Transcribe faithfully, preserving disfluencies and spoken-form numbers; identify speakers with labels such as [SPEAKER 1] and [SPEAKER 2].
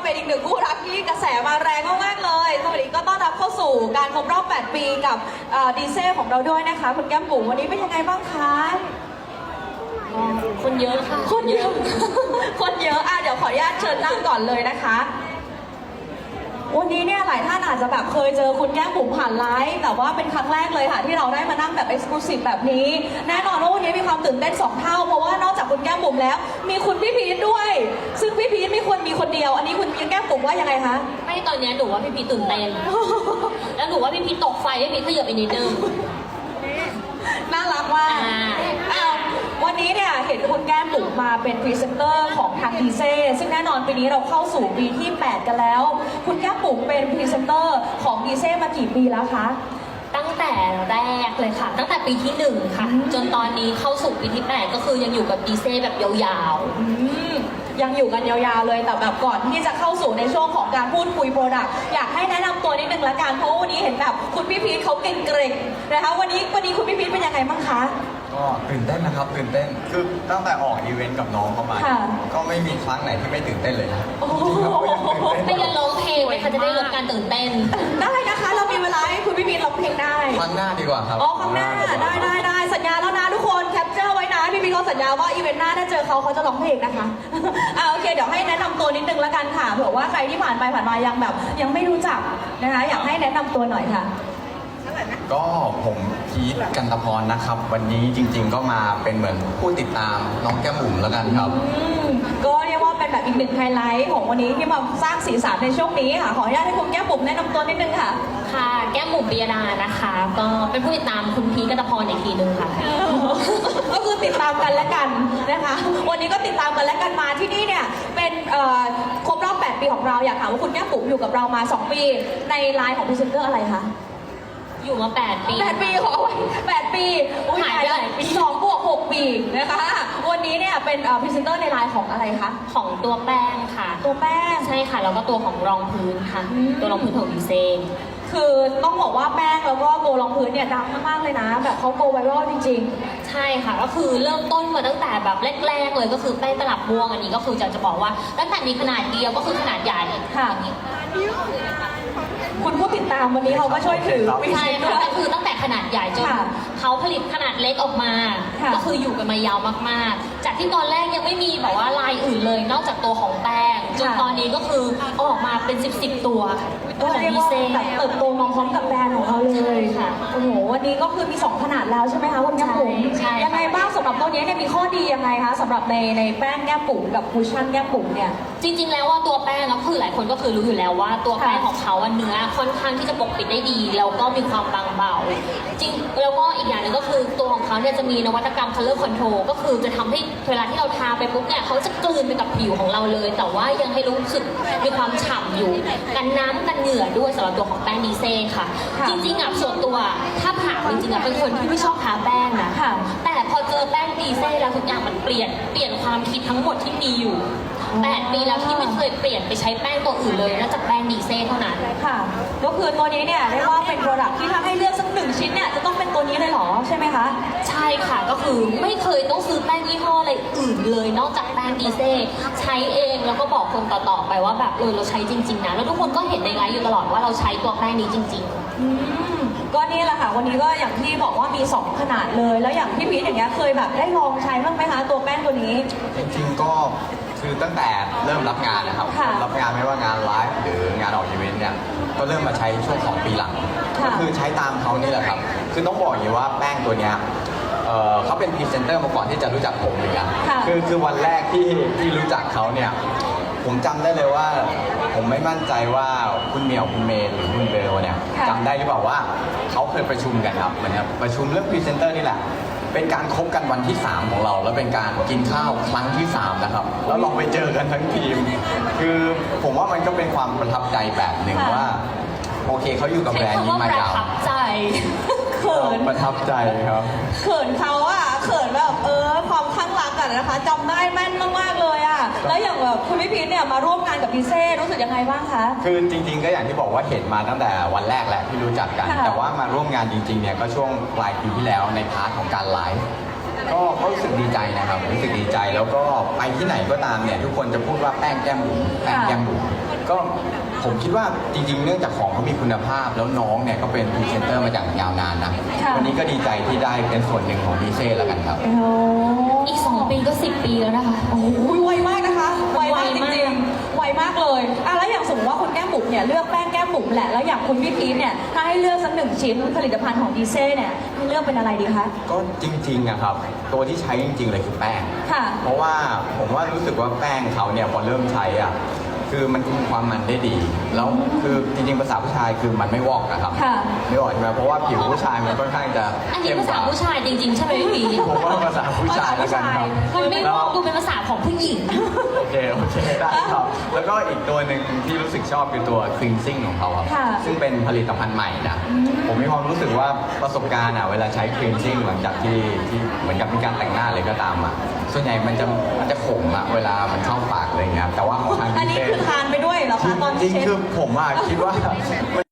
[SPEAKER 1] เป็นอีกหนึ่งคู่รักที่กระแสมาแรงมากๆเลยสวัสดีก็ต้อนรับเข้าสู่การครบรอบแปดปีกับดีเซลของเราด้วยนะคะคุณแก้มบุ๋มวันนี้เป็นยังไงบ้างคะ
[SPEAKER 2] คนเยอะค่ะ
[SPEAKER 1] คนเยอะ คนเยอะอ่ะเดี๋ยวขออนุญาตเชิญนั่งก่อนเลยนะคะวันนี้เนี่ยหลายท่านอาจจะแบบเคยเจอคุณแก้มบุ๋มผ่านไลฟ์แต่ว่าเป็นครั้งแรกเลยค่ะที่เราได้มานั่งแบบเอ็กซ์คลูซีฟแบบนี้แน่นอนว่าวันนี้มีความตื่นเต้นสองเท่าเพราะว่านอกจากคุณแก้มบุ๋มแล้วมีคุณพี่พีทด้วยซึ่งพี่พีทไม่ควรมีคนเดียวอันนี้คุณแก้มบุ๋มว่ายังไงคะ
[SPEAKER 2] ไม่ตอนนี้หนูว่าพี่พีทตื่นเต้นแล้วหนูว่าพี่พีทตกไฟพี่พีทขยับไปนิดนึง
[SPEAKER 1] น่ารักมากวันนี้เนี่ยเห็นคุณแก้มบุ๋มมาเป็นพรีเซนเตอร์ของทางดีเซซึ่งแน่นอนปีนี้เราเข้าสู่ปีที่แปดกันแล้วคุณแก้มบุ๋มเป็นพรีเซนเตอร์ของดีเซมากี่ปีแล้วคะ
[SPEAKER 2] ตั้งแต่แรกเลยค่ะตั้งแต่ปีที่หนึ่งค่ะจนตอนนี้เข้าสู่ปีที่แปดก็คือยังอยู่กับดีเซแบบยาว
[SPEAKER 1] ๆยังอยู่กันยาวๆเลยแต่แบบก่อนที่จะเข้าสู่ในช่วงของการพูดคุยโปรดักต์อยากให้แนะนำตัวนิดนึงละกันเพราะวันนี้เห็นแบบคุณพี่พีทเขาเก่งๆนะคะวันนี้วันนี้คุณพี่พีทเป็นยังไงบ้างคะ
[SPEAKER 3] ก็ตื่นเต้นนะครับตื่นเต้นคือตั้งแต่ออกอีเวนต์กับน้องเข้ามาก็ไม่มีครั้งไหนที่ไม่ตื่นเต้นเลยนะจริงๆก็ยังตื่นเต้น
[SPEAKER 2] ไม่ยันร้องเพลงไหมคะจะได้ลดการตื่นเต้น
[SPEAKER 1] ได้นะคะเรามีเวลาให้คุณพี่พีทร้องเพลงได้
[SPEAKER 3] ครั้งหน้าดีกว่าครับ
[SPEAKER 1] อ๋อครั้งหน้าได้ได้ได้สัญญาแล้วนะทุกคนแคปเจอร์ไว้นะพี่พีทเขาสัญญาว่าอีเวนต์หน้าถ้าเจอเขาเขาจะร้องเพลงนะคะอ่าโอเคเดี๋ยวให้แนะนำตัวนิดนึงละกันค่ะเผื่อว่าใครที่ผ่านไปผ่านมายังแบบยังไม่รู้จักนะคะอยากให้แนะนำตัวหน่อยค่ะ
[SPEAKER 3] ก็ผมพีทกันตพรนะครับวันนี้จริงๆก็มาเป็นเหมือนผู้ติดตามน้องแก้มบุ๋มแล้วกันครับ
[SPEAKER 1] ก็เรียกว่าเป็นแบบอีกหนึ่งไฮไลท์ของวันนี้ที่มาสร้างสีสันในช่วงนี้ค่ะขออนุญาตให้คุณแก้มบุ๋มแนะนำตัวนิดนึงค่ะ
[SPEAKER 2] ค่ะแก้มบุ๋มปิยดานะคะก็เป็นผู้ติดตามคุณพีทกันตพรอีกทีนึงค่ะ
[SPEAKER 1] ก็คือติดตามกันและกันนะคะวันนี้ก็ติดตามกันและกันมาที่นี่เนี่ยเป็นครบรอบแปดปีของเราอยากถามว่าคุณแก้มบุ๋มอยู่กับเรามาสองปีในไลน์ของพรีเซนเตอร์อะไรคะ
[SPEAKER 2] อยู่มาแปดปี
[SPEAKER 1] แปดปีขอแปดปี
[SPEAKER 2] หายไปหลายปี
[SPEAKER 1] สองบวกหกปีนะคะวันนี้เนี่ยเป็นพรีเซนเตอร์ในไลน์ของอะไรคะ
[SPEAKER 2] ของตัวแป้งค่ะ
[SPEAKER 1] ตัวแป้ง
[SPEAKER 2] ใช่ค่ะแล้วก็ตัวของรองพื้นค่ะตัวรองพื้นของดีเซน
[SPEAKER 1] คือต้องบอกว่าแป้งแล้วก็ตัวรองพื้นเนี่ยดังมากๆเลยนะแบบเขาโกไวรัลจริง
[SPEAKER 2] ๆใช่ค่ะก็คือเริ่มต้นมาตั้งแต่แบบแรกๆเลยก็คือแป้งตลับม่วงอันนี้ก็คือจะจะบอกว่าตั้งแต่มีขนาดเดียวก็คือขนาดใหญ่
[SPEAKER 1] ค่ะคุณผู้ติดตามวันนี้เขาก็ช่วยถือ
[SPEAKER 2] ใช่ค่ะก็คือตั้งแต่ขนาดใหญ่จนเขาผลิตขนาดเล็กออกมาก็คืออยู่กันมายาวมากๆจากที่ตอนแรกยังไม่มีแบบว่าลายอื่นเลยนอกจากตัวของแป้งจนตอนนี้ก็คือออกมาเป็นสิบสิบตัว
[SPEAKER 1] ก็เรียกว่าแบบเติบโตมาพร้อมกับแบรนด์ของเราเลยค่ะโอ้โหวันนี้ก็คือมีสองขนาดแล้วใช่ไหมคะคุณแก้มบุ๋มยังไงบ้างสำหรับตัวนี้เนี่ยมีข้อดียังไงคะสำหรับในในแป้งแก้มบุ๋มกับคุชชั่นแก้มบุ๋มเนี่ย
[SPEAKER 2] จริงๆแล้วว่าตัวแป้งก็คือหลายคนก็คือรู้อยู่แล้วว่าตัวแป้งของเขาเนื้อค่อนข้างที่จะปกปิดได้ดีแล้วก็มีความบางเบาจริงแล้วก็อีกอย่างหนึ่งก็คือตัวของเขาเนี่ยจะมีนวัตกรรม color control ก็คือจะทำให้เวลาที่เราทาไปปุ๊บเนี่ยเขาจะกลืนไปกับผิวของเราเลยแต่ว่ายังให้รู้สึกมีความฉ่ำอยู่กันน้ำกันเหงื่อด้วยสำหรับตัวของแป้งดีเซ่ค่ะจริงๆอ่ะส่วนตัวถ้าผ่าจริงๆอ่ะเป็นคนที่ไม่ชอบทาแป้งนะแต่พอเจอแป้งดีเซ่แล้วทุกอย่างมันเปลี่ยนเปลี่ยนความคิดทั้งหมดที่มีอยู่แปดปีแล้วที่ไม่เคยเปลี่ยนไปใช้แป้งตัวอื่นเลยนอกจากแป้งดีเซ่เท่านั้น
[SPEAKER 1] ค่ะก็คือตัวนี้เนี่ยเรียกว่าเป็นโปรดักที่ถ้าให้เลือกสักหนึ่งชิ้นเนี่ยจะต้องเป็นตัวนี้เลยเหรอใช่ไหมคะ
[SPEAKER 2] ใช่ค่ะก็คือไม่เคยต้องซื้อแป้งยี่ห้ออะไรอื่นเลยนอกจากแป้งดีเซ่ใช้เองแล้วก็บอกคนต่อๆไปว่าแบบเออเราใช้จริงๆนะแล้วทุกคนก็เห็นในไลฟ์อยู่ตลอดว่าเราใช้ตัวแป้งนี้จริงๆ
[SPEAKER 1] อืมก็นี่แหละค่ะวันนี้ก็อย่างที่บอกว่ามีสองขนาดเลยแล้วอย่างพี่พีทอย่างเงี้ยเคยแบบได้ลองใช้บ้างไหมคะตัวแป้งตัวนี้
[SPEAKER 3] จริงๆก็คือตั้งแต่เริ่มรับงานนะครับรับงานไม่ว่างานไลฟ์หรืองานออกอีเวนต์เนี่ยก็เริ่มมาใช้ช่วงสองปีหลังก็คือใช้ตามเขานี่แหละครับคือต้องบอกอย่างนี้ว่าแป้งตัวเนี้ยเขาเป็นพรีเซนเตอร์มาก่อนที่จะรู้จักผมเลยอะคือคือวันแรกที่ที่รู้จักเขาเนี่ยผมจำได้เลยว่าผมไม่มั่นใจว่าคุณเหมียวคุณเมย์หรือคุณเบลเนี่ยจำได้หรือเปล่าว่าเขาเคยประชุมกันครับเหมือนครับประชุมเรื่องพรีเซนเตอร์นี่แหละเป็นการคบกันวันที่สามของเราแล้วเป็นการกินข้าวครั้งที่สามนะครับแล้วลองไปเจอกันทั้งทีมคือผมว่ามันก็เป็นความประทับใจแบบหนึ่งว่าโอเคเขาอยู่กับแบรนด์นี้มายาว
[SPEAKER 2] ประทับใจ
[SPEAKER 1] เขิน
[SPEAKER 3] ประทับใจครับ
[SPEAKER 1] เขินเขาอะเขินแบบเออความข้างรักกันนะคะจำได้แม่นมากๆเลยอะแล้วอย่างแบบคุณพี่พีทเนี่ยมาร่วมงานกับดีเซ่รู้สึกยังไงบ้างคะ
[SPEAKER 3] คือจริงๆก็อย่างที่บอกว่าเห็นมาตั้งแต่วันแรกแหละที่รู้จักกันแต่ว่ามาร่วมงานจริงๆเนี่ยก็ช่วงปลายปีที่แล้วในพาร์ทของการไลฟ์ก็ก็รู้สึกดีใจนะครับรู้สึกดีใจแล้วก็ไปที่ไหนก็ตามเนี่ยทุกคนจะพูดว่าแป้งแก้มบุ๋มแป้งแก้มบุ๋มก็ผมคิดว่าจริงๆ เนื่องจากของเขามีคุณภาพแล้วน้องเนี่ยก็เป็นพรีเซนเตอร์มาจากยาวนานนะ
[SPEAKER 1] ค่ะ
[SPEAKER 3] วันนี้ก็ดีใจที่ได้เป็นส่วนหนึ่งของดีเซ่แล้วกันครับ
[SPEAKER 1] โอ้
[SPEAKER 2] อีกสองปีก็สิบปีแล้วนะคะ
[SPEAKER 1] โหไวมากนะคะ ไวมากจ
[SPEAKER 2] ไวมาก
[SPEAKER 1] ริงๆ ไวมากเลยอ่ะแล้วอย่างสมมติว่าคุณแก้มบุ๋มเนี่ยเลือกแป้งแก้มบุ๋มแหละ แล้วอย่างคุณพี่พีทเนี่ย ถ้าให้เลือกสักหนึ่งชิ้นผลิตภัณฑ์ของดีเซ่เนี่ยให้เลือกเป็นอะไรดีคะ
[SPEAKER 3] ก็จริงๆอะครับตัวที่ใช้จริงๆเลยคือแป้ง
[SPEAKER 1] ค่ะ
[SPEAKER 3] เพราะว่าผมว่ารู้สึกว่าแป้งเขาเนี่ยพอเริ่มใช้อ่ะคือมันคุมความมันได้ดี แล้วคือจริงๆภาษาผู้ชายคือมันไม่วอกนะครับ
[SPEAKER 1] ค่ะ
[SPEAKER 3] ไม่วอกใช่ไหมเพราะว่าผิวผู้ชายมันค่อนข้างจะ
[SPEAKER 2] อันนี้
[SPEAKER 3] เข้ม
[SPEAKER 2] ภากษา
[SPEAKER 3] ว่า
[SPEAKER 2] ผู้ชายจริงๆ ใช่ไหมพี่พี
[SPEAKER 3] ผมว่าภาษาผู้ชายแล้วกันครับ
[SPEAKER 2] มันไม่บอกดูเป็นภาษาของผู้หญิง
[SPEAKER 3] โอเคโอเคได้ครับ แล้วก็อีกตัวหนึ่งที่รู้สึกชอบคือตัว cleansing ของเขาครับ
[SPEAKER 1] ค่ะ
[SPEAKER 3] ซึ่งเป็นผลิตภัณฑ์ใหม่นะ ผมมีความรู้สึกว่าประสบการณ์อ่ะเวลาใช้ cleansing หลังจากที่ที่เหมือนกับมีการแต่งหน้าเลยก็ตามอ่ะส่วนใหญ่มันจะมันจะขมอ่ะเวลามันเข้าปากอะไรเงี้ยแต่ว่าของทาง
[SPEAKER 1] อัน
[SPEAKER 3] ดี
[SPEAKER 1] นี้
[SPEAKER 3] เซ่
[SPEAKER 1] คือทานไปด้วยเหรอคะตอน
[SPEAKER 3] จริ
[SPEAKER 1] ที่
[SPEAKER 3] ง
[SPEAKER 1] เช็ด
[SPEAKER 3] ๆคือผมอ่ะคิดว่ามัน